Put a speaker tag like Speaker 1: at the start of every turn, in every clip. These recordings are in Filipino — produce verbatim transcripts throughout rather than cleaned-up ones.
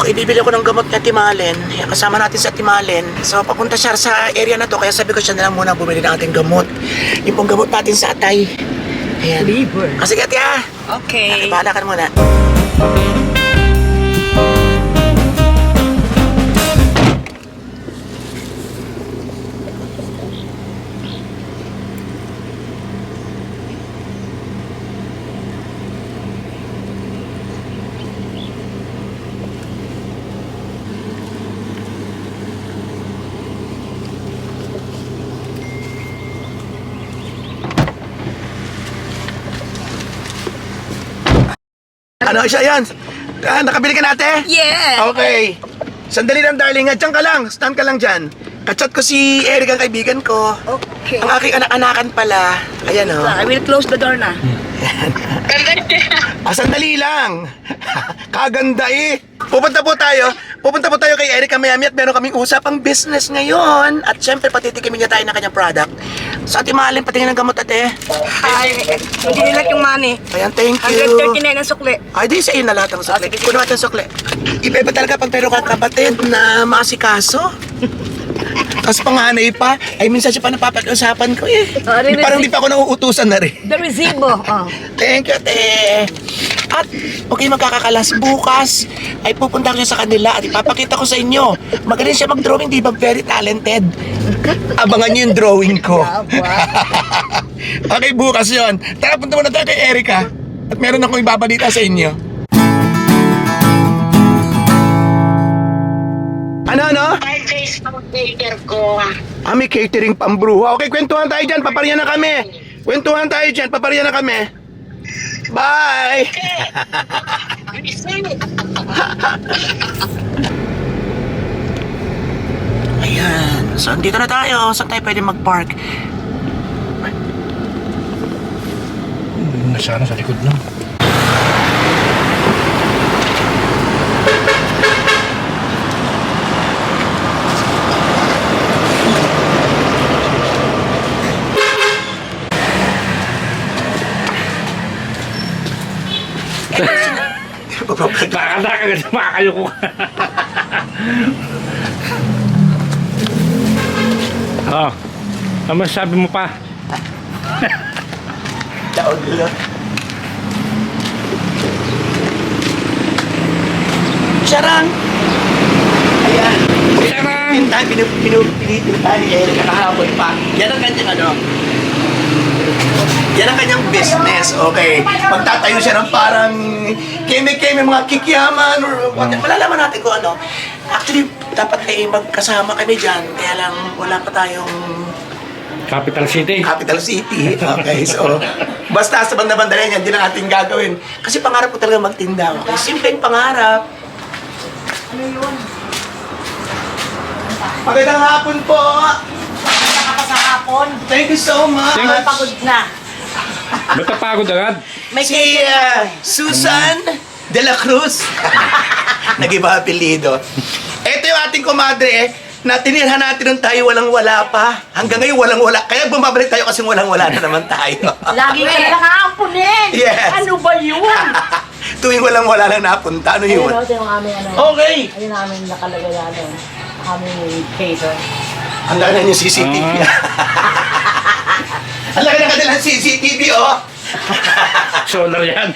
Speaker 1: ibibili ko ng gamot na Timalen. Kasama natin sa Timalen. So, papunta siya sa area na to. Kaya sabi ko siya na lang muna bumili ng ating gamot. Yung pong gamot natin sa atay. Ayan.
Speaker 2: Liver.
Speaker 1: Ah, sige, tia.
Speaker 2: Okay.
Speaker 1: Bahala ka muna. Ano siya yan? Ah, nakabili ka natin?
Speaker 2: Yeah!
Speaker 1: Okay. Sandali lang, darling. Diyan ka lang. Stand ka lang dyan. Kachat ko si Eric, ang kaibigan ko.
Speaker 2: Okay.
Speaker 1: Ang aking anak-anakan pala. Ayan, oh.
Speaker 2: I will close the door na.
Speaker 1: Ah, sandali lang. Kaganda eh. Pupunta po tayo. Pupunta po tayo kay Eric Mayami at meron kaming usapang business ngayon. At syempre, patitikimin niya tayo ng kanyang product. Sa ating mahalin, patingin ng gamot, ate.
Speaker 2: Ay, hindi nila yung money.
Speaker 1: Ayan, thank
Speaker 2: one
Speaker 1: you.
Speaker 2: thirty-nine ang sukli.
Speaker 1: Ay, di sa iyo na lahat ng sukle. Kuno natin sukle. Iba iba talaga pag meron kang kapatid na maasikaso. Tapos panganay pa, ay minsan siya pa napapakiusapan ko eh.
Speaker 2: Oh, rin-
Speaker 1: Parang di pa ako nauutusan na rin.
Speaker 2: The resibo. Oh.
Speaker 1: Thank you, te. At, okay, magkakakalas bukas, ay pupunta ko sa kanila at ipapakita ko sa inyo. Magaling siya mag-drawing, di ba? Very talented. Abangan niyo yung drawing ko. Okay, bukas yon. Tara, punta muna tayo kay Erica. At meron akong ibabalita sa inyo. Ano, ano?
Speaker 3: Ay, Facebook taker ko.
Speaker 1: Ah, may catering pambruha. Okay, kwentuhan tayo dyan. Paparya na kami. Kwentuhan tayo dyan. Paparya na kami. Bye! Ayan. So, andito na tayo. Saan tayo pwede mag-park?
Speaker 4: Nasana sa likod lang. Nakakata ka kasi makakayo ko. Oh, ano masasabi mo pa?
Speaker 1: Taon nila. Charang! Ayan.
Speaker 4: Charang!
Speaker 1: Pintahan, pinupilitin ni Eric kahapon pa. Yan ang kanyang ano. Yan ang kanyang business, okay. Magtatayo siya ng parang keme-keme, mga kikiyaman or what. Malalaman natin kung ano. Actually, dapat ay magkasama kami dyan. Kaya lang wala pa tayong
Speaker 4: Capital City.
Speaker 1: capital city. Okay, so basta sa banda-banda na yan, hindi na ating gagawin. Kasi pangarap ko talaga magtinda. Okay, simpleng pangarap. Ano yun? Magandang hapon po.
Speaker 2: Saka pa sa hapon.
Speaker 1: Thank you so much.
Speaker 4: Thank-
Speaker 2: Pagod na.
Speaker 4: Ba't napagod agad?
Speaker 2: May
Speaker 1: Si uh, Susan de la Cruz. Nag-iba apelido. Ito yung ating kumadre eh, na tinirhan natin nung tayo walang-wala pa. Hanggang ngayon walang-wala. Kaya bumabalik tayo kasi walang-wala na naman tayo.
Speaker 2: Lagi ka na nakaampunin.
Speaker 1: Yes.
Speaker 2: Ano ba yun?
Speaker 1: Tuwing walang-wala lang napunta. Ano yun?
Speaker 5: Ayun, ito yung aming ano.
Speaker 1: Okay.
Speaker 5: Ayun namin nakalagay na ano. Aming cater.
Speaker 1: Ang laki na yung C C T V. Ang laki na kanilang C C T V, oh.
Speaker 4: Solar yan.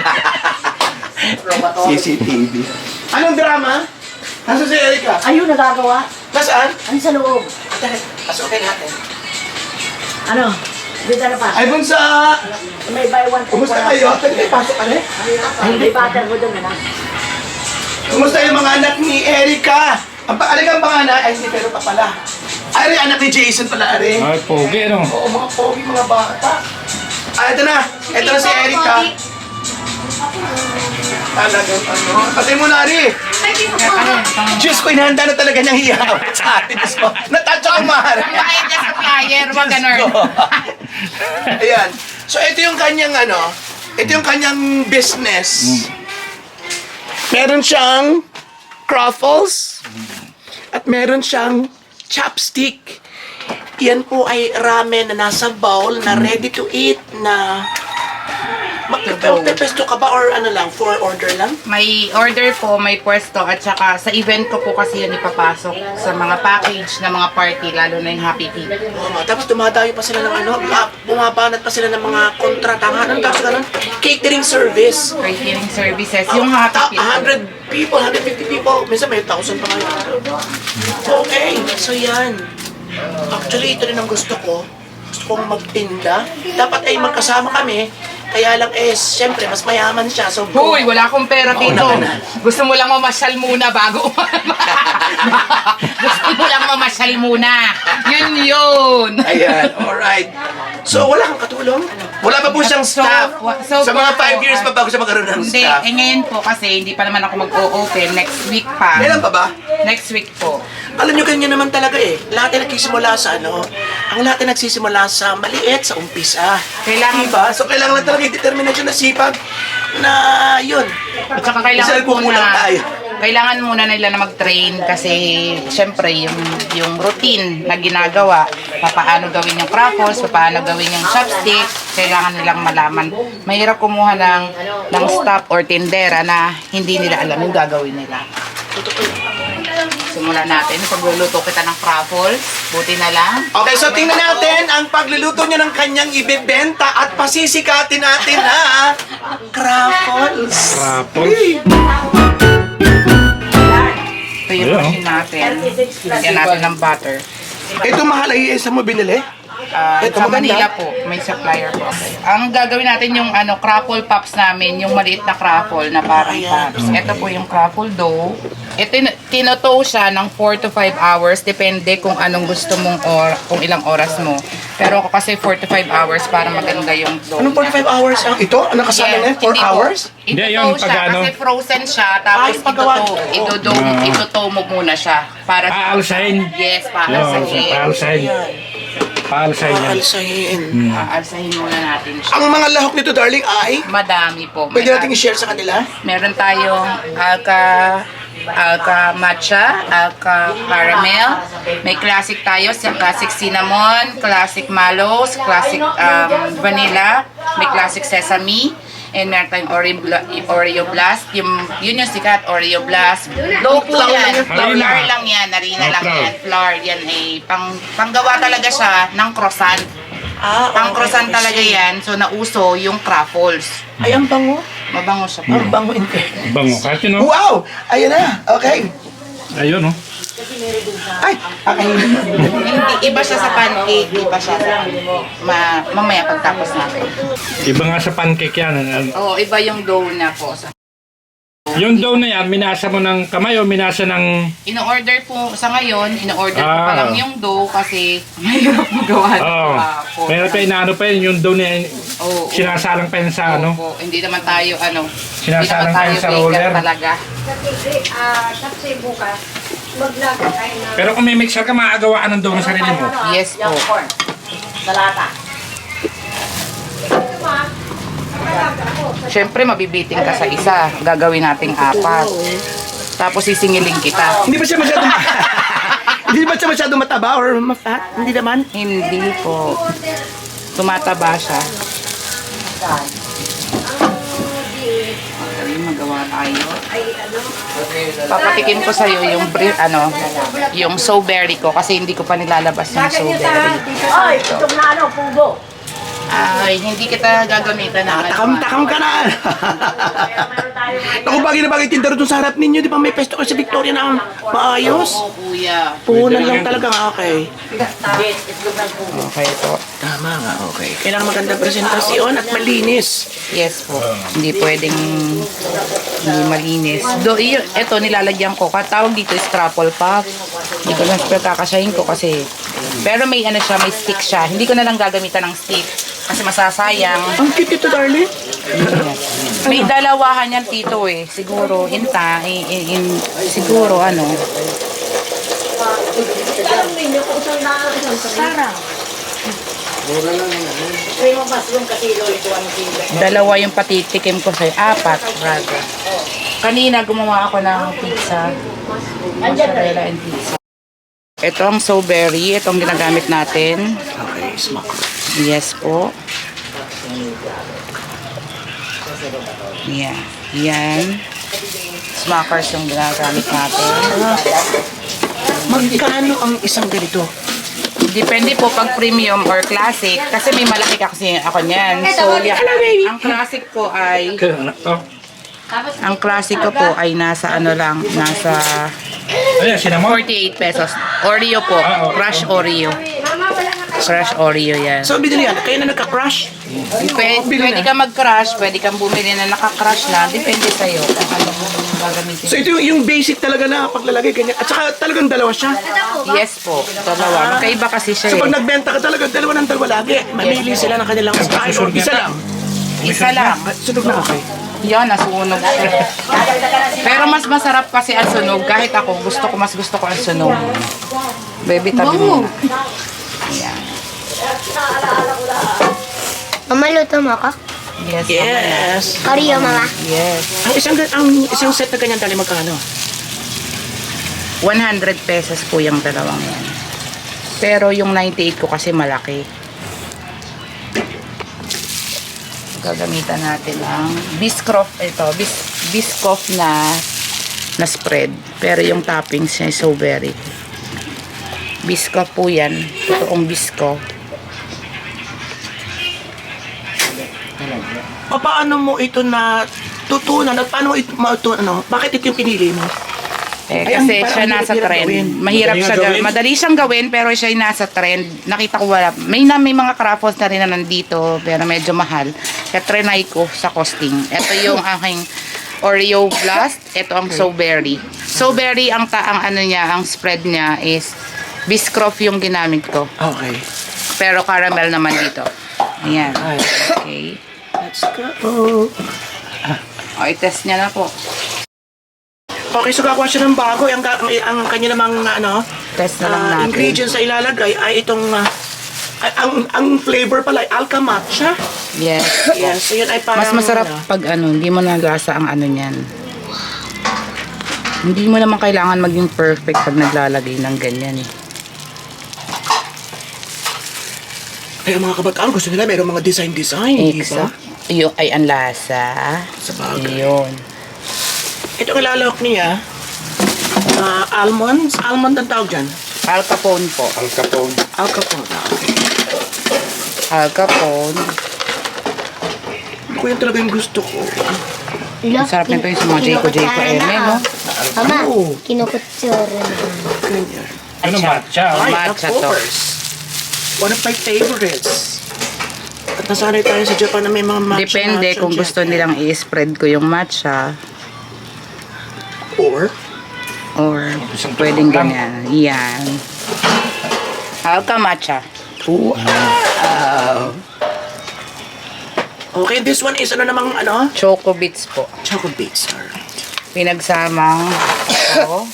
Speaker 1: C C T V. Anong drama? Nasaan si Erica?
Speaker 5: Ayun, nagagawa.
Speaker 1: Nasaan?
Speaker 5: Ano sa loob?
Speaker 1: Pasukin natin.
Speaker 5: Ano? Dito na pa.
Speaker 1: Ay, bunsa!
Speaker 5: May buy one. take
Speaker 1: Kumusta
Speaker 5: one.
Speaker 1: kayo? Pwede pasok ka na eh.
Speaker 5: May butter ko doon, ano?
Speaker 1: Kumusta yung mga anak ni Erica? Ang paalagang pangalan, ay hindi, pero pa pala. Ari, anak ni Jason pala, Ari.
Speaker 4: Ay, pogi ano?
Speaker 1: Oo, mga pogi, mga bata. Ah, ito na. Ito na si Erica. Talagang ano. Patay mo na, Ari. Diyos ko, inahanda na talaga niyang hiyawat sa atin. Diyos ko, natouch ako, Mara.
Speaker 2: Bayad ka sa flyer, wag ganun.
Speaker 1: Ayan. So, ito yung kanyang ano, ito yung kanyang business. Meron siyang Cruffles at meron siyang chopstick. Yan po ay ramen na nasa bowl na ready to eat na
Speaker 2: to go.
Speaker 1: Magpepesto ka ba or ano lang, for order lang?
Speaker 2: May order po, may pwesto at saka sa event ko po kasi yun ipapasok sa mga package na mga party, lalo na yung Happy Tea.
Speaker 1: Oo nga, tapos dumadayo pa sila ng ano, ah, bumabanat pa sila ng mga kontratangan. Ano tapos ganun? Catering service.
Speaker 2: Catering services, yung Happy Tea.
Speaker 1: one hundred people, one hundred fifty people. Minsan may one thousand pa ngayon. Okay, so yan. Actually, ito rin ang gusto ko. Gusto kong magtinda. Dapat ay magkasama kami. Kaya lang eh, siyempre, mas mayaman siya. So,
Speaker 2: Hoy, wala akong pera dito.
Speaker 1: Mauna ka na.
Speaker 2: Gusto mo lang mamasyal muna bago. Gusto mo lang mamasyal muna. Yun yun.
Speaker 1: Ayan, alright. So, wala kang katulong? Wala pa po siyang
Speaker 2: So,
Speaker 1: staff?
Speaker 2: wa- so,
Speaker 1: Sa mga
Speaker 2: po,
Speaker 1: five years pa bago siya magkaroon ng
Speaker 2: Hindi,
Speaker 1: staff?
Speaker 2: eh ngayon po kasi hindi pa naman ako mag-o-open. Next week pa.
Speaker 1: Kailan pa ba?
Speaker 2: Next week po.
Speaker 1: Alam nyo, ganyan naman talaga eh. Lahat ay nagsisimula sa ano, ang lahat ay nagsisimula sa maliit, sa umpisa.
Speaker 2: Kailangan
Speaker 1: Diba? So, kailangan lang talaga yung determination na sipag na yun.
Speaker 2: At saka
Speaker 1: Minsan
Speaker 2: kailangan
Speaker 1: nagkukulang
Speaker 2: muna,
Speaker 1: tayo.
Speaker 2: kailangan muna nila na mag-train kasi syempre yung, yung routine na ginagawa, paano gawin yung crackles, paano gawin yung chopstick, kailangan nilang malaman. Mahirap kumuha ng, ng staff or tindera na hindi nila alam yung gagawin nila. Simulan natin, pagluluto kita ng crackles, buti na lang.
Speaker 1: Okay, so tingnan natin ang pagluluto niya ng kanyang ibebenta at pasisikatin natin na crackles.
Speaker 4: Rapol.
Speaker 2: Ito yung
Speaker 4: Yeah.
Speaker 2: machine natin. Lagyan natin ng butter.
Speaker 1: Ito mahal ay isa mo binili?
Speaker 2: Ah,
Speaker 1: Ito
Speaker 2: sa
Speaker 1: maganda.
Speaker 2: Manila po, may supplier po. Ang gagawin natin yung ano, crackle pops namin, yung maliit na crackle na parang pops. Ito po yung crackle dough. Ito, tin- tinotow siya ng four to five hours, depende kung anong gusto mong or kung ilang oras mo. Pero ako kasi four to five hours para maganda yung dough.
Speaker 1: Anong forty-five hours? Ang ito? Ang nakasala na? four
Speaker 2: hindi po.
Speaker 1: hours?
Speaker 4: Hindi,
Speaker 2: Itutow
Speaker 4: yung
Speaker 2: siya
Speaker 4: pag ano?
Speaker 2: kasi frozen siya,
Speaker 1: Ah,
Speaker 2: tapos
Speaker 1: yung paggawa.
Speaker 2: itutow, itutow,
Speaker 4: Ah.
Speaker 2: itutow mo muna siya. Para
Speaker 4: Aalsahin.
Speaker 2: yes, para
Speaker 4: Yun,
Speaker 2: sa
Speaker 4: paalsahin. Paalsahin yan.
Speaker 1: Alsahin.
Speaker 2: Aalsahin muna natin siya.
Speaker 1: Ang mga lahok nito, darling, ay
Speaker 2: Madami po. May
Speaker 1: pwede natin i-share sa kanila.
Speaker 2: Meron tayong alka alka matcha, alka caramel. May classic tayo, sa classic cinnamon, classic mallows, classic um, vanilla, may classic sesame, and meron tayong Oreo, Bla- Oreo Blast. Yung, yun yung sikat, Oreo Blast. Low po
Speaker 1: Flour
Speaker 2: yan.
Speaker 1: lang yan.
Speaker 2: Flour
Speaker 4: Harina.
Speaker 2: lang yan. Narina
Speaker 4: Oh,
Speaker 2: lang
Speaker 4: flour.
Speaker 2: yan. Flour. Yan ay pang, panggawa talaga siya ng croissant.
Speaker 1: Ah,
Speaker 2: Ang
Speaker 1: okay,
Speaker 2: croissant
Speaker 1: okay.
Speaker 2: talaga yan. So, nauso yung crackles.
Speaker 1: Ay, ang bango.
Speaker 2: Mabango siya po.
Speaker 1: Ang bango. in
Speaker 4: Bango. Kahit yun, oh.
Speaker 1: Wow! Ayan na. Okay.
Speaker 4: Ayun, oh.
Speaker 1: Ay, okay.
Speaker 2: Hindi, iba siya sa pancake, iba siya sa ma, mamaya pagtapos natin.
Speaker 4: Iba nga sa pancake yan.
Speaker 2: Oo, iba yung dough na po. Sa-
Speaker 4: Yung dough na yan, minasa mo ng kamay o minasa ng...
Speaker 2: Ino-order po sa ngayon, ino-order ko pa
Speaker 4: Ah.
Speaker 2: lang yung dough kasi mahirap magawa ng
Speaker 4: Oo.
Speaker 2: kahapon.
Speaker 4: Pero pa inaano pa yun, yung dough na yan,
Speaker 2: Oo.
Speaker 4: sinasalang pa yun sa ano.
Speaker 2: Opo, hindi naman tayo ano, hindi
Speaker 4: Sinasalang
Speaker 2: naman tayo
Speaker 4: tayo sa
Speaker 2: baker
Speaker 4: roller.
Speaker 2: talaga.
Speaker 4: Pero kung may mixer ka, maaagawaan ng dough ng sarili mo.
Speaker 2: Yes po.
Speaker 5: Salata.
Speaker 2: Siyempre, mabibiting ka sa isa. Gagawin nating apat. Tapos sisingilin kita.
Speaker 1: Hindi ba siya masyadong... Hindi ba siya masyadong mataba or ma-fat? Hindi naman.
Speaker 2: Hindi po. Tumataba siya. Ay, magawa tayo. Papatikim ko sa iyo yung bri- ano, yung strawberry ko kasi hindi ko pa nilalabas yung strawberry.
Speaker 5: Ay, itong na ano, pugo.
Speaker 2: Ay, hindi kita gagamitan ng
Speaker 1: Takam-takam ka na. Ako bagay na bagay tindaro dun sa harap ninyo. Di ba may pesto kayo sa Victoria na maayos?
Speaker 2: Oo, kuya.
Speaker 1: Puhunan lang talaga. Okay.
Speaker 2: Okay po.
Speaker 1: Tama nga, okay. Kailangan maganda presentasyon at malinis.
Speaker 2: Yes po. Hindi pwedeng hindi malinis. Do, yun, ito nilalagyan ko. Katawag dito is truffle puff. Hindi ko lang kakasyahin ko kasi pero may ano siya, may stick siya. Hindi ko na lang gagamitan ng stick kasi masasayang.
Speaker 1: Ang cute ito, darling.
Speaker 2: May dalawahan yan tito eh. Siguro inta, in, in, in, siguro ano.
Speaker 5: Sarang. Ay, mabasong kasi lolo ang sila.
Speaker 2: Dalawa yung patitikim ko sa'yo. Apat, rather. Kanina gumawa ako ng pizza. Mozzarella and pizza. Ito ang strawberry. Ito ang ginagamit natin.
Speaker 1: Okay, smoke.
Speaker 2: Yes po. Yan. Yan. Smackers yung ginagamit natin.
Speaker 1: Magkano ang isang ganito?
Speaker 2: Depende po pag premium or classic. Kasi may malaki kasi ako niyan. So, yan. Ang classic ko ay...
Speaker 4: Kaya anak to.
Speaker 2: Ang classic ko po ay nasa ano lang. Nasa
Speaker 4: Ayan, sinamon.
Speaker 2: forty-eight pesos. Oreo po.
Speaker 4: Ah, oo.
Speaker 2: Crush Oreo. Crush Oreo yan.
Speaker 1: So, binili yan. Kaya na nagka-crush?
Speaker 2: Pwede,
Speaker 1: bili
Speaker 2: pwede
Speaker 1: na.
Speaker 2: ka mag-crush, pwede kang bumili na naka-crush na. Depende sa'yo kung ano mo gagamitin.
Speaker 1: So, ito yung, yung basic talaga na paglalagay, ganyan. At saka talagang dalawa siya.
Speaker 2: Yes po, dalawa. Magkaiba kasi siya
Speaker 1: So, pag
Speaker 2: eh.
Speaker 1: nagbenta ka talaga, dalawa ng dalawa lagi. Mamili sila ng kanilang kahit o isa lang.
Speaker 2: Isa lang.
Speaker 1: Ah, sunog na okay.
Speaker 2: Yan, nasunog. Pero mas masarap kasi ang sunog. Kahit ako, gusto ko, mas gusto ko ang sunog. Baby, tabi mo. Yan.
Speaker 6: Mama, luto mo ako?
Speaker 2: Yes.
Speaker 1: Yes.
Speaker 6: Oreo, mama.
Speaker 2: Yes.
Speaker 1: Ang isang, ang isang set na ganyan tali magkano?
Speaker 2: one hundred pesos po yung dalawang yan. Pero yung ninety-eight ko kasi malaki. Gagamitan natin ang Biscoff, ito, bis, Biscoff na na spread. Pero yung toppings niya is so very. Biscoff po yan. Totoong Biscoff.
Speaker 1: Paano mo ito na tutunan at paano mo ito mautunan? Ano? Bakit ito yung pinili mo?
Speaker 2: Eh,
Speaker 1: Ay,
Speaker 2: kasi
Speaker 1: ang-
Speaker 2: siya
Speaker 1: parang
Speaker 2: nasa
Speaker 1: hirap
Speaker 2: trend.
Speaker 1: gawin.
Speaker 2: Mahirap
Speaker 4: Madali
Speaker 2: siya
Speaker 4: nga
Speaker 2: gawin.
Speaker 4: gawin.
Speaker 2: Madali siyang gawin pero siya ay nasa trend. Nakita ko wala. May na may mga craftons na rin na nandito pero medyo mahal. Kaya trinay ko sa costing. Ito yung aking Oreo Blast. Ito ang So Berry. So Berry ang ta ang ano niya, ang spread niya is Biscoff yung ginamit ko.
Speaker 1: Okay.
Speaker 2: Pero caramel naman dito. Ayan.
Speaker 1: Ay.
Speaker 2: Okay.
Speaker 1: Let's go.
Speaker 2: O, i-test niya na po.
Speaker 1: Okay, so gagawa siya ng bago. Ang, ang, ang kanya namang ano,
Speaker 2: Test na lang
Speaker 1: ah,
Speaker 2: natin.
Speaker 1: ingredients na ilalagay ay itong ah, ay, ang ang flavor pala ay alka matcha.
Speaker 2: Yes.
Speaker 1: Yes, so yun ay parang
Speaker 2: Mas masarap
Speaker 1: ano,
Speaker 2: pag ano, hindi mo nagasa ang ano niyan. Hindi mo naman kailangan maging perfect pag naglalagay ng ganyan eh.
Speaker 1: ay ang mga kabataan gusto nila mayroong mga design-design, di ba?
Speaker 2: Exact. Yung ay ang lasa.
Speaker 1: Sa bagay.
Speaker 2: Yun.
Speaker 1: Ito ang ilalawak niya, ah, almonds. Almond ang tawag dyan.
Speaker 2: Al Capone po.
Speaker 4: Al Capone.
Speaker 1: Alka po. Okay.
Speaker 2: Al Capone.
Speaker 1: Ako yan talaga yung gusto ko.
Speaker 6: Look,
Speaker 2: Sarap nito yung sa mga Jayco Jayco Eme, no?
Speaker 6: Mama,
Speaker 1: Oo.
Speaker 6: kinukutsura na.
Speaker 1: Ganyan.
Speaker 4: Ano matcha?
Speaker 2: Ay,
Speaker 1: Ay,
Speaker 2: matcha
Speaker 1: of
Speaker 2: to.
Speaker 1: course. One of my favorites. At nasanay tayo sa Japan na may mga matcha.
Speaker 2: Depende
Speaker 1: matcha
Speaker 2: kung
Speaker 1: dyan.
Speaker 2: gusto nilang i-spread ko yung matcha
Speaker 1: Or,
Speaker 2: or
Speaker 4: Isang
Speaker 2: pwedeng
Speaker 4: tubo lang.
Speaker 2: ganyan. Yan. Alka matcha.
Speaker 1: wow. Okay, this one is ano namang ano?
Speaker 2: Choco bits po.
Speaker 1: Choco bits. Alright.
Speaker 2: Pinagsamang ito.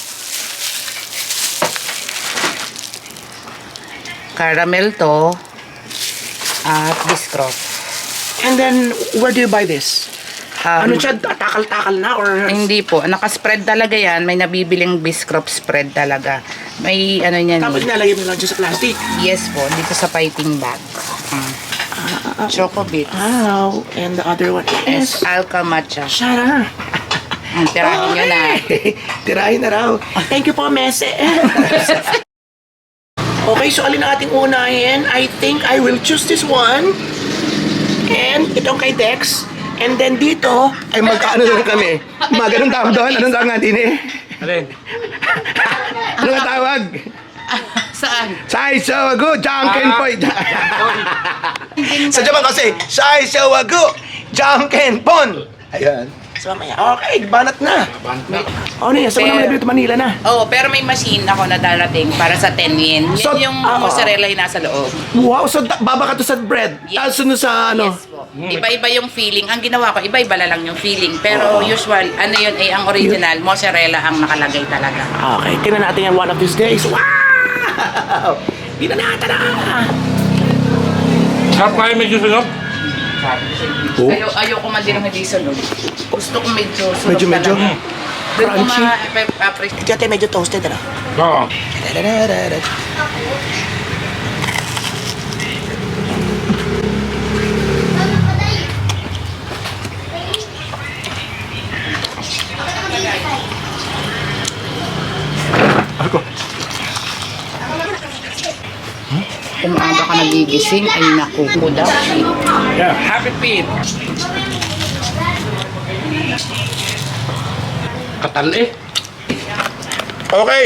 Speaker 2: Caramel to. At Biscoff.
Speaker 1: And then, where do you buy this?
Speaker 2: Um,
Speaker 1: Ano siya, takal-takal na or...
Speaker 2: Hindi po. Nakaspread talaga yan. May nabibiling Biscoff spread talaga. May ano yan.
Speaker 1: Tapos nalagay mo lang dyan sa plastic.
Speaker 2: Yes po. Dito sa piping bag. Mm. Choco bits.
Speaker 1: Wow. And the other one is...
Speaker 2: Alka matcha.
Speaker 1: Shut up.
Speaker 2: Ang tirahin nyo na.
Speaker 1: Tirahin na raw. Thank you po, Mese. Okay, so alin ang ating unahin? I think I will choose this one. And itong kay Dex. And then dito, ay magkaano lang kami. Mga ganun tawag doon. Anong tawag natin eh?
Speaker 4: Alin?
Speaker 1: Ano nga tawag?
Speaker 2: Saan?
Speaker 1: Sai Sawagu, Janken Poy. Sa Japan kasi, Sai Sawagu, Janken Pon. Ayan. So mamaya, okay, banat na. Oh, niya, sa mga nabili ito Manila na.
Speaker 2: Oh, pero may machine ako na darating para sa ten yen. Yan
Speaker 1: So,
Speaker 2: yung
Speaker 1: ah,
Speaker 2: mozzarella yung nasa loob.
Speaker 1: Wow, so da- baba ka to sa bread.
Speaker 2: Yes.
Speaker 1: Tapos sunod sa ano.
Speaker 2: Yes po. Iba-iba yung feeling. Ang ginawa ko, iba-iba na lang yung feeling. Pero usual, ano yun, eh, ang original, mozzarella ang nakalagay talaga.
Speaker 1: Okay, tingnan natin yan one of these days. Wow! Di na natin na!
Speaker 4: Sarap kaya medyo sunog?
Speaker 1: Oh.
Speaker 2: Ayaw, ayoko man din ng hindi sunog. Gusto ko medyo sunog
Speaker 1: Medyo, medyo.
Speaker 2: talaga. Doon ko
Speaker 1: Crunchy.
Speaker 2: ma-appreciate.
Speaker 1: Ito yata medyo toasted, ano?
Speaker 4: Oo.
Speaker 2: gigising ay nakuko daw.
Speaker 4: Yeah, happy feet. Katal eh.
Speaker 1: Okay.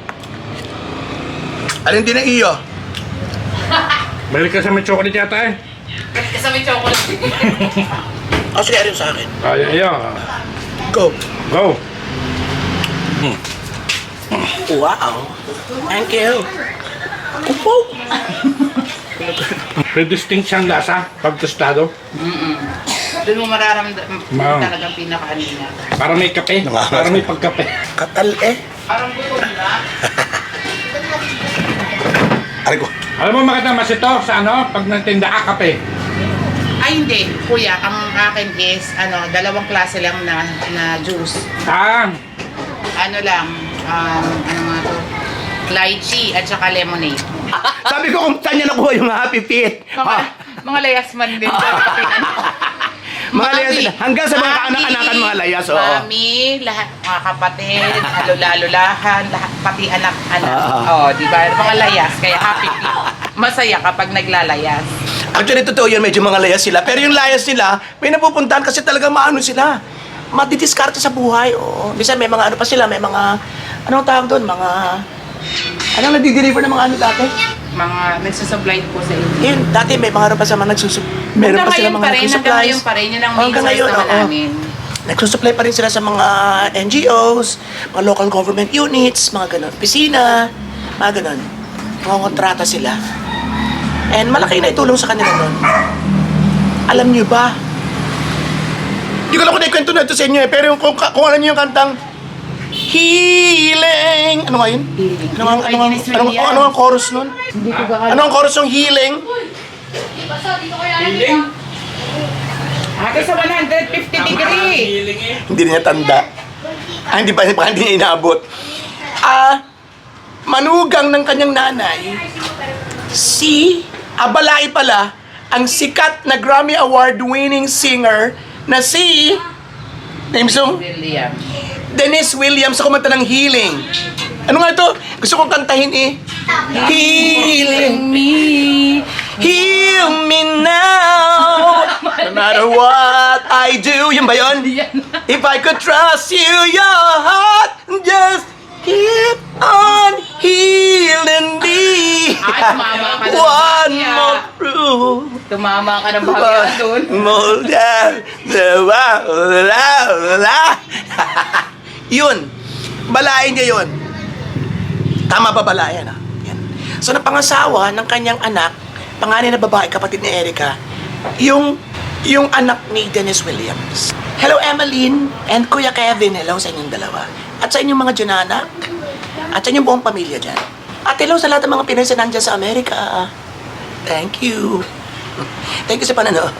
Speaker 1: Alin din ang iyo?
Speaker 4: Balik ka sa may chocolate yata eh.
Speaker 2: Kasama yung chocolate.
Speaker 1: O sige, rin sa akin.
Speaker 4: Ay, ayan.
Speaker 1: Go.
Speaker 4: Go.
Speaker 1: Wow. Thank you. Upo.
Speaker 4: May distinct siyang lasa pag tostado.
Speaker 2: Doon mo mararamdaman
Speaker 4: Ma'am.
Speaker 2: talagang pinaka-ano niya.
Speaker 4: Para may kape. Para may pagkape.
Speaker 1: Katal eh.
Speaker 2: Parang gutom na.
Speaker 1: Aray ko.
Speaker 4: Alam mo makita mas ito sa ano? Pag nagtinda ka kape.
Speaker 2: Ay hindi, kuya, ang akin is ano, dalawang klase lang na na juice.
Speaker 4: Ah,
Speaker 2: Ano lang, um, ano nga to? Lychee at saka lemonade.
Speaker 1: Sabi ko kung saan niya nakuha yung Happy Feet.
Speaker 2: Mga,
Speaker 1: Ah,
Speaker 2: mga layasman din.
Speaker 1: mga layas.
Speaker 2: Mami.
Speaker 1: Hanggang sa mga
Speaker 2: Mami.
Speaker 1: kaanak-anakan mga layas. Oo.
Speaker 2: Mami, lahat mga kapatid, alula-alulahan, lahat pati anak-anak.
Speaker 1: Ah.
Speaker 2: Oh, di ba? Mga layas, kaya happy feet. Masaya kapag naglalayas.
Speaker 1: Actually, totoo yun. Medyo mga layas sila. Pero yung layas nila, may napupuntahan kasi talaga maano sila. Madidiskarte sa buhay. Oo. Bisa may mga ano pa sila. May mga, anong tawag doon? Mga, anong nadi-deliver ng mga ano dati?
Speaker 2: Mga nagsusupply po sa inyo.
Speaker 1: Yun, dati may mga ano pa sa mga nagsusup... Meron
Speaker 2: Hanggang
Speaker 1: pa sila
Speaker 2: ngayon
Speaker 1: mga
Speaker 2: pa rin, hanggang
Speaker 1: nagsusupply.
Speaker 2: ngayon pa rin. Yun ang
Speaker 1: Oh,
Speaker 2: main
Speaker 1: hanggang
Speaker 2: source
Speaker 1: ngayon,
Speaker 2: naman
Speaker 1: oo.
Speaker 2: namin.
Speaker 1: Nagsusupply pa rin sila sa mga N G Os, mga local government units, mga ganun. Opisina, mga ganun. Mga kontrata sila. And malaki na itulong sa kanila nun. Alam niyo ba? Hindi ko lang kung naikwento na ito sa inyo eh, pero yung, kung, kung alam niyo yung kantang Healing! Ano nga yun?
Speaker 2: Healing.
Speaker 1: Ano nga, ano nga,
Speaker 2: Yung kay Dennis
Speaker 1: ano, nga-
Speaker 2: Williams.
Speaker 1: ano nga ang chorus nun?
Speaker 2: Hindi ko ba
Speaker 1: Ano ang chorus ng Healing?
Speaker 2: Hati sa one hundred fifty degree.
Speaker 1: Hindi niya tanda. Ah, hindi pa, baka hindi niya inaabot. Ah, manugang ng kanyang nanay, si Abalay pala, ang sikat na Grammy Award-winning singer na si, name song?
Speaker 2: William.
Speaker 1: Dennis Williams sa kumanta ng Healing. Ano nga ito? Gusto kong kantahin eh. Healing me, heal me now. No matter what I do. Yun ba yun? If I could trust you, your heart, just keep on healing me.
Speaker 2: Ay, tumama ka ng
Speaker 1: One
Speaker 2: bahagya.
Speaker 1: more proof.
Speaker 2: Tumama ka ng bahagya doon.
Speaker 1: More than the wow, la, la. Yun. Balayan niya yun. Tama ba balayan? Ah? Yan. So, napangasawa ng kanyang anak, panganay na babae, kapatid ni Erica, yung, yung anak ni Dennis Williams. Hello, Emmeline and Kuya Kevin. Hello sa inyong dalawa. At sa inyong mga dyanak. At sa inyong buong pamilya dyan. At hello sa lahat ng mga Pinoy na nandyan sa Amerika. Thank you. Thank you sa panonood.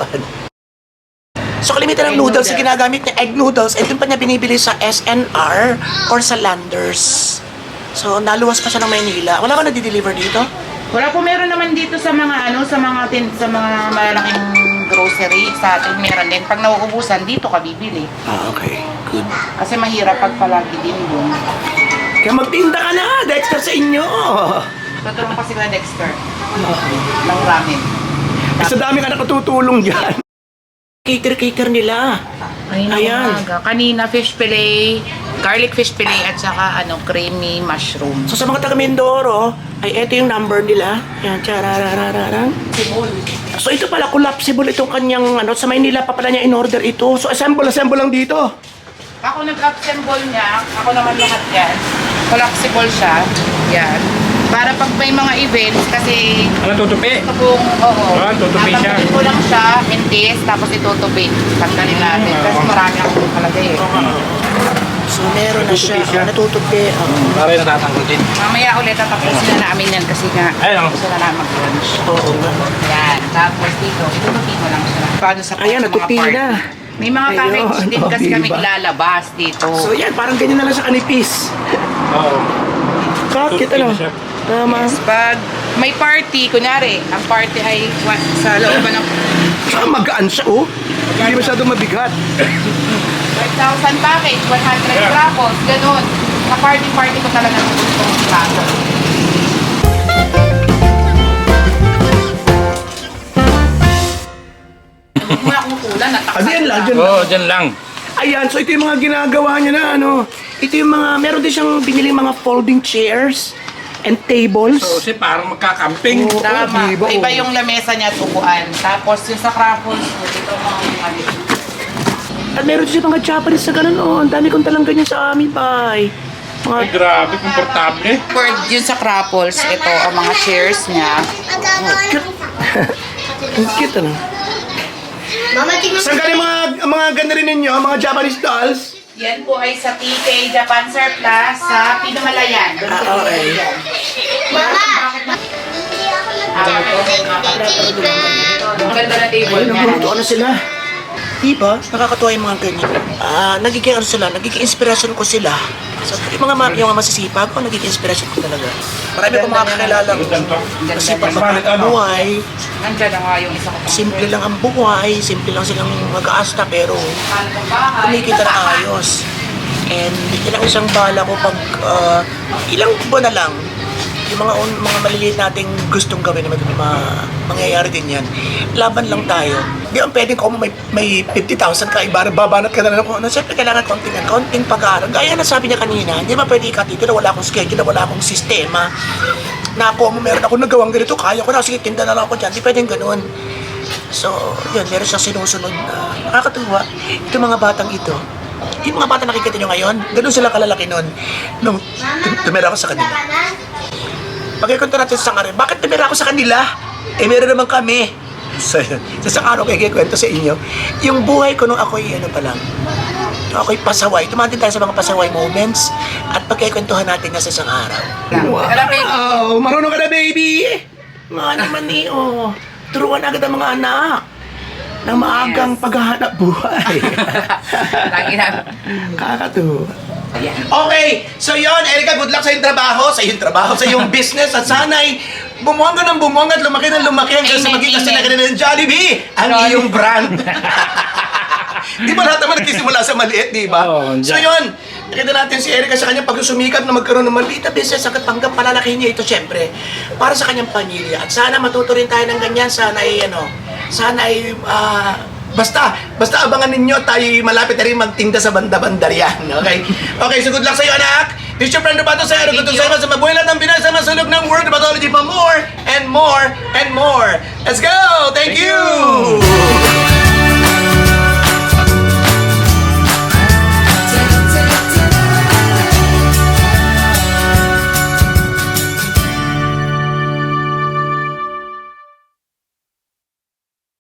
Speaker 1: So, kalimitan ng
Speaker 2: Egg
Speaker 1: noodles na
Speaker 2: noodles.
Speaker 1: ginagamit niya, egg noodles, eh, doon pa niya binibili sa S N R or sa Landers. So, naluwas pa siya ng Maynila. Wala ba nadi-deliver dito?
Speaker 2: Wala po, meron naman dito sa mga ano, sa mga tin, sa mga malalaking grocery sa atin meron din. Pag nauubusan, dito ka bibili.
Speaker 1: Ah, okay. Good.
Speaker 2: Kasi mahirap pag palagi din doon.
Speaker 1: Kaya magtinda ka na, Dexter, sa inyo.
Speaker 2: Tutulong kasi ka Dexter. Ng ramen.
Speaker 1: Sa dami ka nakatutulong dyan. Cater-cater nila.
Speaker 2: Ayun,
Speaker 1: Ayan.
Speaker 2: umaga. Kanina, fish fillet, garlic fish fillet, at saka ano, creamy mushroom.
Speaker 1: So, sa mga taga Mindoro, ay eto yung number nila. Yan, charararararang. So, ito pala, collapsible itong kanyang, ano, sa Maynila pa pala niya in-order ito. So, assemble, assemble lang dito.
Speaker 2: Ako nag-assemble niya, ako naman lahat yan. Collapsible siya. Yan. Para pag may mga events, kasi
Speaker 4: Ano tutupi?
Speaker 2: ito pong, oo.
Speaker 4: Ah, tutupi siya.
Speaker 2: Tatanggalin ko lang siya in this, tapos itutupi. Tanggalin natin. Kasi marami akong kalagay eh.
Speaker 1: So, meron na siya.
Speaker 4: Natutupi siya.
Speaker 1: Oh, natutupi. Oo.
Speaker 4: Para yung natatanggal din.
Speaker 2: Mamaya ulit tatapusin na namin yan kasi nga
Speaker 4: Ayun, oh.
Speaker 2: gusto na namin mag-lunch.
Speaker 1: Oo nga.
Speaker 2: Yan. Tapos dito, itutupi ko lang siya. Paano sa,
Speaker 1: Ayan,
Speaker 2: sa mga
Speaker 1: natupi
Speaker 2: party.
Speaker 1: na.
Speaker 2: May mga
Speaker 1: Ayun,
Speaker 2: package din
Speaker 1: oh,
Speaker 2: kasi
Speaker 1: diba?
Speaker 2: kami ilalabas dito.
Speaker 1: So, yan, parang ganyan na lang sa kanipis.
Speaker 4: Oo.
Speaker 1: Bakit,
Speaker 4: Tutupi
Speaker 1: ano?
Speaker 4: na siya.
Speaker 1: Tama.
Speaker 2: Yes, pag may party, kunyari, ang party ay wa- sa looban ng
Speaker 1: Saka magaan siya, oh. Hindi masyadong mabigat.
Speaker 2: five thousand package, one hundred
Speaker 4: Yeah.
Speaker 2: gramos, ganun. Sa party-party ko talaga ng gustong plato. ulan, natakot.
Speaker 1: Ah, diyan lang, diyan
Speaker 4: Oo, oh, dyan lang.
Speaker 1: Ayan, so ito yung mga ginagawa niya na ano. Ito yung mga, meron din siyang binili mga folding chairs and tables.
Speaker 4: So, kasi parang magkakamping.
Speaker 1: Oo.
Speaker 2: Tama.
Speaker 1: Diba,
Speaker 2: Iba
Speaker 1: oh.
Speaker 2: yung lamesa niya at upuan. Tapos yung sa crackles, dito mga ano.
Speaker 1: At meron din siya mga Japanese na ganun, oh. Ang dami kong talang ganyan sa amin, bay. Mga,
Speaker 4: Ay, grabe, komportable.
Speaker 2: For yun sa crackles, ito ang mga chairs niya.
Speaker 1: ang cute, ano.
Speaker 6: Mama, tingnan
Speaker 1: Saan galing mga, mga ganda rin ninyo, mga Japanese dolls?
Speaker 2: Yan po ay sa T K Japan Surplus sa Pinamalayan. Doon sa
Speaker 1: Ah, okay.
Speaker 2: Pinamalayan.
Speaker 6: Mama!
Speaker 2: Ang ganda na table
Speaker 1: Ayun,
Speaker 2: niya.
Speaker 1: nagluto ano sila. Diba? Nakakatuwa yung mga ganyan. Ah, nagiging ano sila, nagiging inspirasyon ko sila. So, yung mga, ma- yung mga masisipag ko, nagiging inspirasyon ko talaga. Marami ko mga kakilala ko. Masipag
Speaker 4: Bakit ano?
Speaker 1: buhay.
Speaker 2: Nandiyan na nga yung isa ko.
Speaker 1: Simple lang ang buhay, simple lang silang mag-aasta, pero kumikita na ayos. And ilang isang bala ko pag ah, ilang buwan na lang, yung mga un- mga maliliit nating gustong gawin naman, ma mangyayari din yan. Laban lang tayo. Di ang pwedeng kung may, may fifty thousand ka, ibarang babanat ka na lang kung ano. Siyempre kailangan konting, konting pag-aaral. Gaya na sabi niya kanina, hindi ba pwede ikatito na wala akong schedule, na wala akong sistema. Na ako, meron ako nagawang ganito, kaya ko na, sige, tinda na lang ako dyan. Di pwedeng ganun. So, yun, meron siyang sinusunod na nakakatuwa. Ito mga batang ito, yung mga bata nakikita nyo ngayon, ganun sila kalalaki nun. Nung tum- tumira ako sa kanila. Pagkikwento natin sa Sangarin, bakit tumira ako sa kanila? Eh, meron naman kami. So, yun. Sa isang araw kayo kikwento sa inyo, yung buhay ko nung ako'y ano pa lang, nung ako'y pasaway, tumatin tayo sa mga pasaway moments at pagkikwentuhan natin na sa isang araw.
Speaker 2: Alam mo,
Speaker 1: Wow, marunong ka na, baby! Mga naman eh, oh. Turuan agad ang mga anak ng maagang paghahanap buhay.
Speaker 2: lagi na.
Speaker 1: Kakatuwa.
Speaker 2: Ayan.
Speaker 1: Okay, so yon, Erica, good luck sa iyong trabaho, sa iyong trabaho, sa iyong business, at sana'y bumuhang ka ng bumuhang at lumaki ng lumaki hanggang sa
Speaker 2: Amen,
Speaker 1: maging kasi
Speaker 2: amen.
Speaker 1: na ng Jollibee, ang
Speaker 2: Jollibee.
Speaker 1: iyong brand. Di ba lahat naman nagsisimula sa maliit, di ba?
Speaker 4: Oo,
Speaker 1: So
Speaker 4: dyan.
Speaker 1: yun, nakita natin si Erica sa kanyang pagsusumikap na magkaroon ng maliit na business hanggang hanggang palalakihin niya ito, syempre, para sa kanyang pamilya. At sana matuto rin tayo ng ganyan, sana ay ano, sana ay, ah, basta, basta abangan ninyo, tayo malapit na rin magtinda sa banda-bandar yan, okay? Okay, so good luck sa'yo, anak! This is your friend Roberto Sero, good to sa sa mabuhay lahat ng Pinay sa masulog ng World Batology pa more and more and more. Let's go! Thank,
Speaker 4: Thank
Speaker 1: you!
Speaker 4: you!